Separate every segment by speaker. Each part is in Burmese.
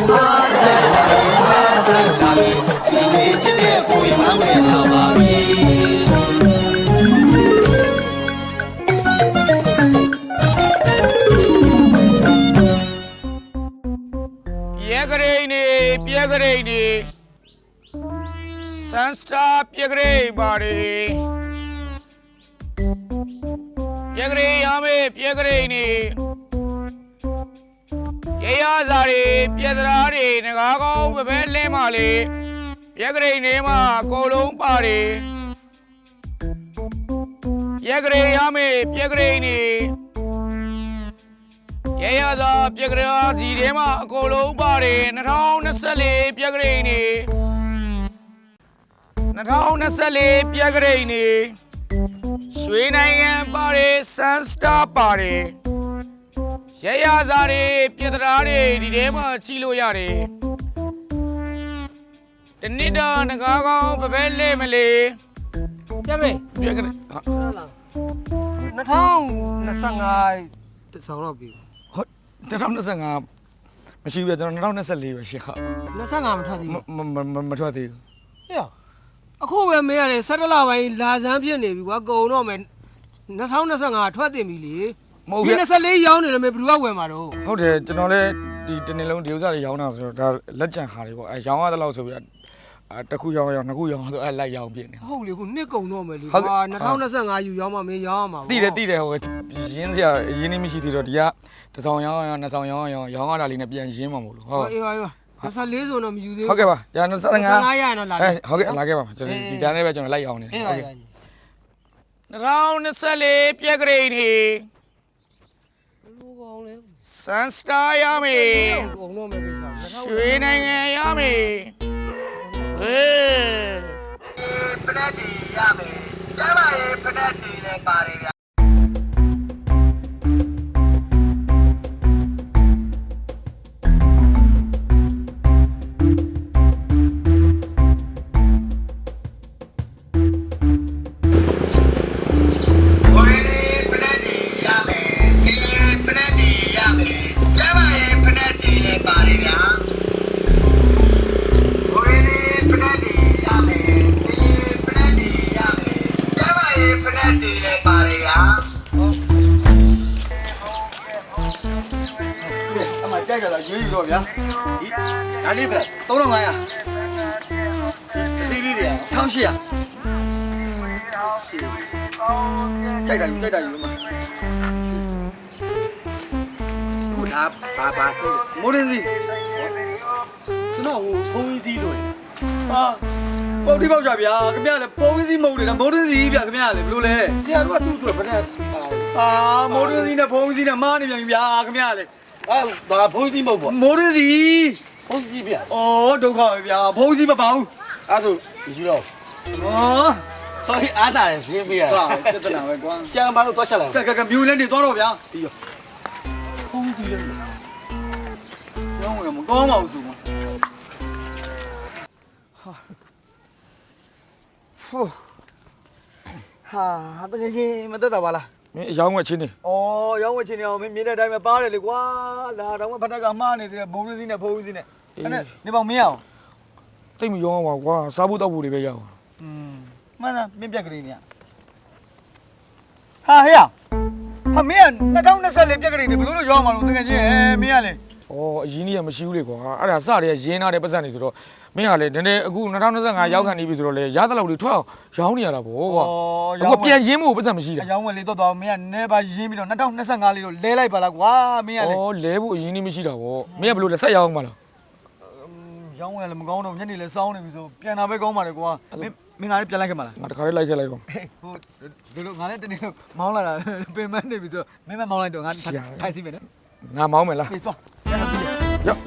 Speaker 1: Sunsta Piagre body Piagre Yame Piagre Yayazari Piedrari Nagago Bele Mali Piagre Nema Colum Party Piagre Yame Piagre Yayaza Piagre Dima Colum Party Naround Sally Piagre Naround Sally Piagre Swing Party Sunsta Party Yayazari Piedrari Dima Chilo Yari The Nida Nagago Bele Mali Piagre
Speaker 2: Naround Nasangai Saurabi
Speaker 1: Naround Nasanga She was around Sally
Speaker 2: Nasanga
Speaker 1: Matati
Speaker 2: Yeah A cool Mary Sadala Lazampian Navy were going on Nasound Nasanga 20 million Sally young in a Brua Wemaro.
Speaker 1: How did General Dinilon Duza Yana Legend Harry? I young the laws of Takuya Nakuya, I like young being.
Speaker 2: Holy Nico normally. Nasound Nasanga, you Yama me Yama.
Speaker 1: Did Zinzia, Yinimishi, Ya, the song young Alina Bian Jimamo.
Speaker 2: That's a little on you.
Speaker 1: Okay, Yana
Speaker 2: Sayana,
Speaker 1: like him. Never lay on it. Round Sally Piagre. Sunsta Yami. Swing Yami.
Speaker 3: Penati Yami. Java Penati Party. You go, yeah? I live it. Don't know why. Come here. Take that, you. Good up, Papa. More than this. You know who is he doing? What about Jabia? Come here, the policy mode and more than the Blue Lay. What do you do? More than the policy and money, come here. Posy mobile. Modesty. Oh, don't call me. Posy about. I do. You know. Oh, sorry, I died. Here we are. Jambo to Shala. Like a mule and the door of ya. No, I'm going out. Ha, I think Madabala.
Speaker 1: Young Wachini.
Speaker 3: Oh, young witch in your minute, I'm a party, I don't want to money, the bonus in a pose in it. Never meow.
Speaker 1: Think you are Sabuta would be young.
Speaker 3: Mana, maybe a green. Ha, here. A man, not only celebrating the blue young, merely.
Speaker 1: Oh, Genia Machurico. I saw the Jena representative. Merely, then a good Natana Young and Ibidole, Yadala 12, Shawnia. Oh, Yamu was a machine.
Speaker 3: Young little dog, me and never Jimmy, not only Sangali, Lele, but like, wow, me.
Speaker 1: Oh, Lebu, Yini Machida. Me blue, the young man.
Speaker 3: Young will go on any less sound, so piano go, me, I like a man.
Speaker 1: Not like a
Speaker 3: Mola, payment, maybe Mola don't I see it.
Speaker 1: Now, Mamma. Yep.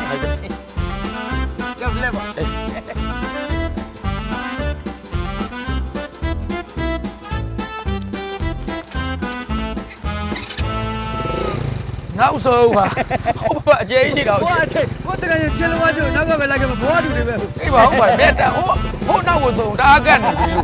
Speaker 1: Now so, but Jay, what did you tell what you know like a boy to the oh, now we'll do that again.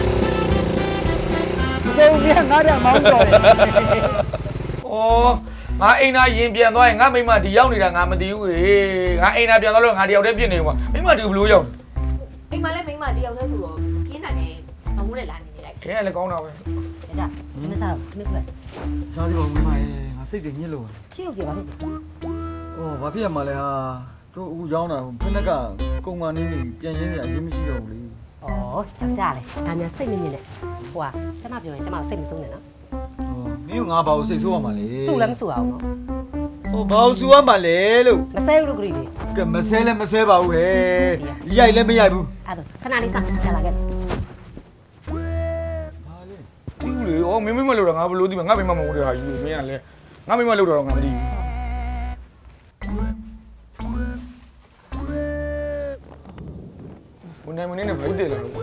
Speaker 1: So, we are not a mountain. Oh, ငါအိမ်သားရင်ပြန်သွားရင်ငါမိမဒီရောက်နေတာငါမသိဘူးဟေးငါအိမ်သားပြန်သွားလို့ငါတယောက်တည်းဖြစ်နေမှာမိမဒီဘလို့ရောက်
Speaker 4: အိမ်မှာလည်းမိန်းမတယောက်တည်းဆိုတော့ပြင်းနိုင်တယ်မမိုးနဲ့လာနေလိုက်
Speaker 1: ခဲလည်းကောင်းတာပဲ
Speaker 5: ကြမစားဘူးခဏခဏ
Speaker 3: စားဒီပါမင်းမရေငါစိတ်တွေညစ်လို့
Speaker 5: ဖြည့်လို့ပြပါလိမ့်
Speaker 3: ဟောဘာဖြစ်ရမှာလဲဟာတို့အခုရောင်းတာဖက်နက်ကကုံကနေပြန်ရင်းနေအရင်မရှိတော့ဘူးလေ
Speaker 5: ဩကြောက်ကြလေဒါများစိတ်မမြင့်နဲ့ဟိုကကျမပြောရင်ကျမစိတ်မဆုံးနဲ့နော်
Speaker 3: မင်းကငါဘာလို့စိတ်ဆိုးရမှာလဲ
Speaker 5: စုလည်းမစုအောင်နော်
Speaker 3: ဟောဘာလို့ဆိုးရမှာလဲလို့
Speaker 5: မဆဲဘူးလို့ကြည့်လေ
Speaker 3: ကဲမဆဲလဲမဆဲပါဘူးဟဲ့ရိုက်လည်းမရိုက်ဘူး
Speaker 5: အဲ့ဒါခဏလေးစချလာခဲ့
Speaker 1: တီးလေဩမင်းမလို့တော့ငါဘလို့ဒီမှာငါမိမမဟုတ်တဲ့ဟာယူမင်းကလည်းငါမိမလို့တော့ငါမသိဘူးဘုန်းနေမနေနဲ့ဖိုက်တယ်လား
Speaker 3: ဒီ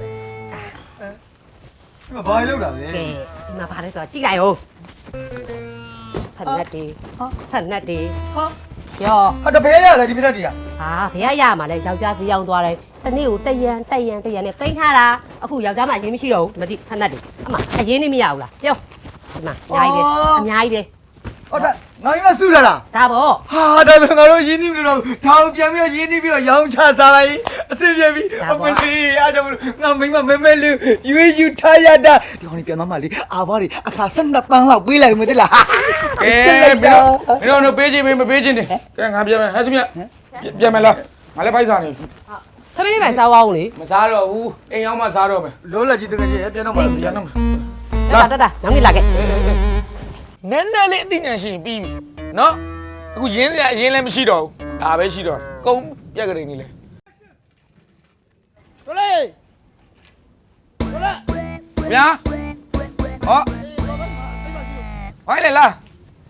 Speaker 3: မှာဘာလို့လောက်တာလဲ
Speaker 5: ကဲဒီမှာဗါလဲဆိုတော့ကြည့်လိုက်ဦးဖက်နက်တေဖက်နက်တေရော
Speaker 3: ဟာတပည့်ရလားဒီပြက်တွေက
Speaker 5: ဟာဘယ်ရမှာလဲယောက်ျားစီရောက်သွားတယ်တနေ့ကိုတရန်နဲ့ကိန်းထားတာအခုယောက်ျားမှအရင်မရှိတော့ဘူးမကြည့်ဖက်နက်တေအမအရင်နေမရဘူးလားပြောဒီမှာအများကြီးပဲ
Speaker 3: ဟောဒါငါမစုရလား
Speaker 5: ဒါပေါ့
Speaker 3: ဟာဒါလည်းငါတို့ရင်းနှီးမလို့တော့ထောင်ပြန်ပြီးရင်းနှီးပြီးတော့ရောင်းချစားလိုက်အဆင်ပြေပြီအမလေးအားကြောင့်ငါမိမမဲလူရွေးယူထားရတာဒီကောင်လေးပြန်သွားမှလေအာဘာတွေအခါ12ပန်းလောက်ပေးလိုက်မသိလား
Speaker 1: ကဲမင်းတို့ပေးချင်းမပေးချင်းနေကဲငါပြန်မယ်ဟဲ့စမြပြန်မယ်လားငါလည်းဖိုက်စားနေ
Speaker 5: ခမင်းလေးပဲစားအောင်လေ
Speaker 1: မစားတော့ဘူးအိမ်ရောက်မှစားတော့မယ်
Speaker 3: လောလက်ကြီးတကယ်ကြီးပြန်တော့မှပြန်တော့
Speaker 5: တနောက်နေ့လာခဲ့
Speaker 1: နည်းနည်းလေးအသိဉာဏ်ရှိရင်ပြီးပြီနော်အခုရင်းစရာအရင်လည်းမရှိတော့ဘူးဒါပဲရှိတော့ကုန်းပြက်ကလေးနေလေ
Speaker 2: တော်လေတော်လေ
Speaker 1: ဗျာဟောဟိုင်းလေလား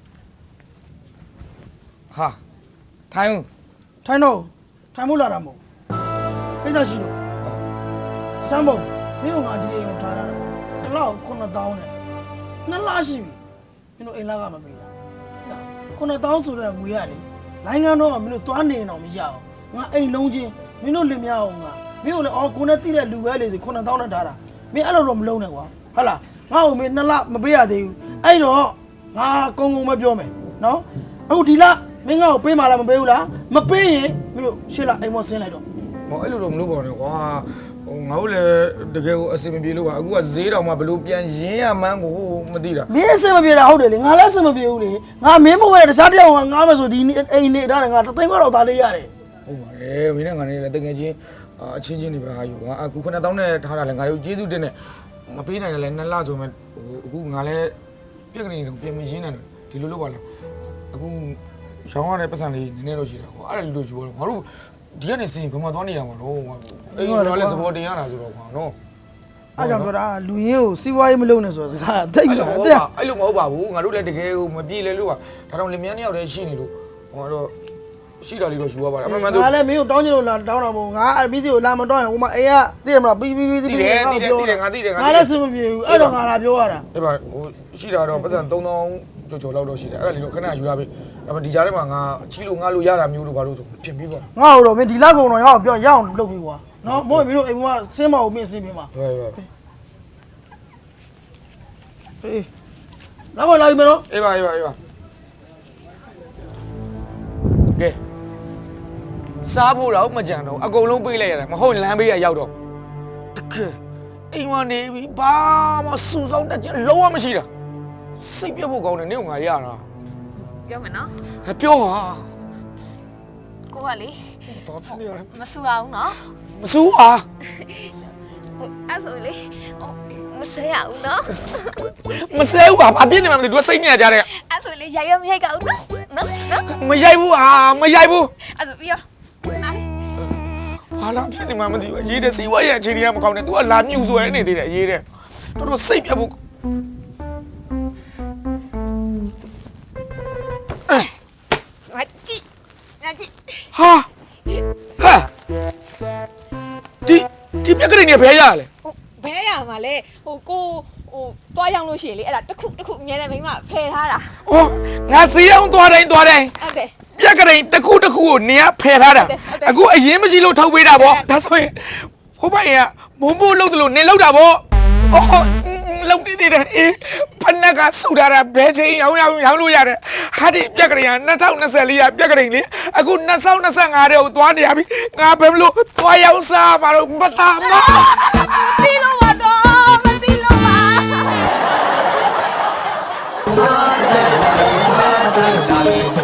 Speaker 1: ဟာထိုင်ဦး
Speaker 2: ထိုင်တော့ထိုင်မို့လာတာမဟုတ်ကိစ္စရှိလို့စမ်းဖို့မင်းကငါဒီအိမ်ကိုထားတာတစ်လောက်9000နဲ့နှစ်လရှိပြီမင်းတို့အိမ်လာကမပေးတာ9000ဆိုတဲ့ငွေရလေနိုင်ငံတော်ကမင်းတို့သွားနေအောင်မရအောင်ငါအိမ်လုံးချင်းမင်းတို့လင်မရအောင်ငါမင်းတို့လည်းအော်ကိုနဲ့တိတဲ့လူပဲလေဆို9000နဲ့ထားတာမင်းအဲ့လိုတော့မလုံးနဲ့ကွာဟုတ်လားငါ့ကိုမင်းနှစ်လမပေးရသေးဘူးအဲ့တော့ငါကုန်းမပြောမယ်နော်အခုဒီလမင်းငါ့ကိုပေးမှလားမပေးဘူးလားမပေးရင်မင်းတို့ရှေ့လာအိမ်မောဆင်းလိုက်တော့
Speaker 1: ဟောအဲ့လိုတော့မလုပ်ပါနဲ့ကွာဟိုငါတို့လည်းတကယ်ကိုအဆင်မပြေလို့ပါအခုကဈေးတော်မှာဘယ်လိုပြန်ရင်းရမှန်းကိုမသိတာ
Speaker 2: မင်းအဆင်မပြေတာဟုတ်တယ်လေငါလည်းအဆင်မပြေဘူးလေငါမင်းမဝဲတခြားတယောက်ကငါမယ်ဆိုဒီအိမ်နေထားတယ်ငါတသိန်းခွက်တော့သားလေးရတယ်
Speaker 1: ဟုတ်ပါတယ်မင်းနဲ့ငါနဲ့လည်းတကယ်ချင်းအချင်းချင်းနေပါဟာယူကွာအခု9000နဲ့ထားတာလည်းငါတို့ကျေးဇူးတင်နေမပေးနိုင်တယ်လည်း2လဆိုမှအခုငါလည်းပြက်ကနေတော့ပြင်မရင်းနေတယ်ဒီလိုလုပ်ပါလားအခုရောင်းရတဲ့ပတ်စံလေးနည်းနည်းတော့ရှိတာကွာအဲ့ဒါလူတို့ယူတော့ငါတို့ဒီကနေစင်ဘယ်မှာသွားနေရမှာတော့အဲ့တော့လည်းစပေါ်တင်ရတာဆိုတော့ကွာနော်
Speaker 2: အားကြောင့်ပြောတာလူရင်းကိုစီးပွားရေးမလုပ်နဲ့ဆိုတော့စကားသိပြီလားတဲ့
Speaker 1: အဲ့လိုမဟုတ်ပါဘူးငါတို့လည်းတကယ်ကိုမပြေလဲလို့ပါဒါတော့လင်မြန်းနှစ်ယောက်တည်းရှိနေလို့ဟောတော့ရှိတာလေးတော့ယူရပါတယ်အမှန်မှန်တော့
Speaker 2: ငါလည်းမင်းကိုတောင်းချင်လို့လာတောင်းတာမဟုတ်ငါအမီးစီကိုလာမတောင်းရင်ဟိုမှာအိမ်ကသိတယ်မလားပြီးငါလည်းစင်မပြေဘူးအဲ့တော့ငါလာပြောရတာ
Speaker 1: အဲ့ပါဟိုရှိတာတော့ပတ်စံ3000ကျော်လောက်တော့ရှိတယ်အဲ့ဒါလေးတော့ခဏယူလာပြီဒါပေမဲ့ဒီကြားထဲမှာငါချီလို့ငါလို့ရတာမျိုးတို့ဘာလို့ဆိုဖြစ်ပြီးပါ
Speaker 2: ငါ့ဟိုတော့မင်းဒီလောက်ကုန်တော့ရအောင်ပြောရအောင်လုပ်ပြီးကွာနော်မို့မင်းတို့အိမ်မှာစင်းမအောင်မင်းစင်းပြီးမှာ
Speaker 1: ဟုတ်ပါ
Speaker 2: ဟေးလောက်လာပြီမနော်
Speaker 1: အေးပါကဲစားဖို့တော့မကြံတော့အကုန်လုံးပေးလိုက်ရတယ်မဟုတ်လမ်းပေးရရောက်တော့တကယ်အိမ်မှာနေပြီဘာမှစူဆောင်းတတ်ချင်လုံးဝမရှိတာစိတ်ပြတ်ဖို့ကောင်းတယ်နေကငါရတာ
Speaker 4: ပြောမယ်နော်
Speaker 1: ပြောပါ
Speaker 4: ကိုကလေ
Speaker 1: ဘာဖြစ်နေရလဲ
Speaker 4: မဆူအောင်နော်
Speaker 1: မစူးပါ
Speaker 4: အဲ့ဆိုလေမဆဲရအောင်နော်
Speaker 1: မဆဲဘူးပါဘာဖြစ်နေမှမသိဘူးစိတ်ညစ်ကြတဲ့
Speaker 4: အဲ့ဆိုလေရိုက်မရိုက်ကောင်းနော်နော်
Speaker 1: မရိုက်ဘူးဟာမရိုက်ဘူး
Speaker 4: အဲ့ဆိုပြီးရော
Speaker 1: ဘာလာဖြစ်နေမှမသိဘူးအရေးတဲ့စီဝါရဲ့အခြေအနေကမကောင်းနဲ့ तू ကလာမြူဆွဲနေသေးတယ်အရေးတဲ့တော်တော်စိတ်ပြတ်ဖို့
Speaker 4: ငါကြည့်
Speaker 1: ဟာဒီပြက်ကလေးနေဘဲရလဲ
Speaker 4: ဘဲရမှာလေဟိုကိုတွားရောက်လို့ရှိရင်လေအဲ့ဒါတစ်ခုအမြဲတမ်းမိမဖယ်ထားတာ
Speaker 1: ဩငါစီအောင်သွားတိုင်း
Speaker 4: ဟုတ်တယ်
Speaker 1: ပြက်ကလေးတစ်ခုကိုနေရဖယ်ထားတာအခုအရင်မရှိလို့ထုတ်ပေးတာဗောဒါဆိုရင်ဟိုဘက်ကမုံဖို့လုပ်တယ်လို့နေလောက်တာဗောဩလုံးတိတိတဲ့အေးဖနက်ကဆူထားတာဘယ်ချိန်ရောင်းလို့ရတယ်ဟာဒီပြက်ကလေးက2024ရပြက်ကလေးလေအခု2025တဲ့ကိုသွားနေရပြီငါဘယ်မလို့သွားရောက်စားမှာတော့မတားမ
Speaker 4: တီးလို့ပါတော့မတီးလို့ပါ
Speaker 3: ဒါလေး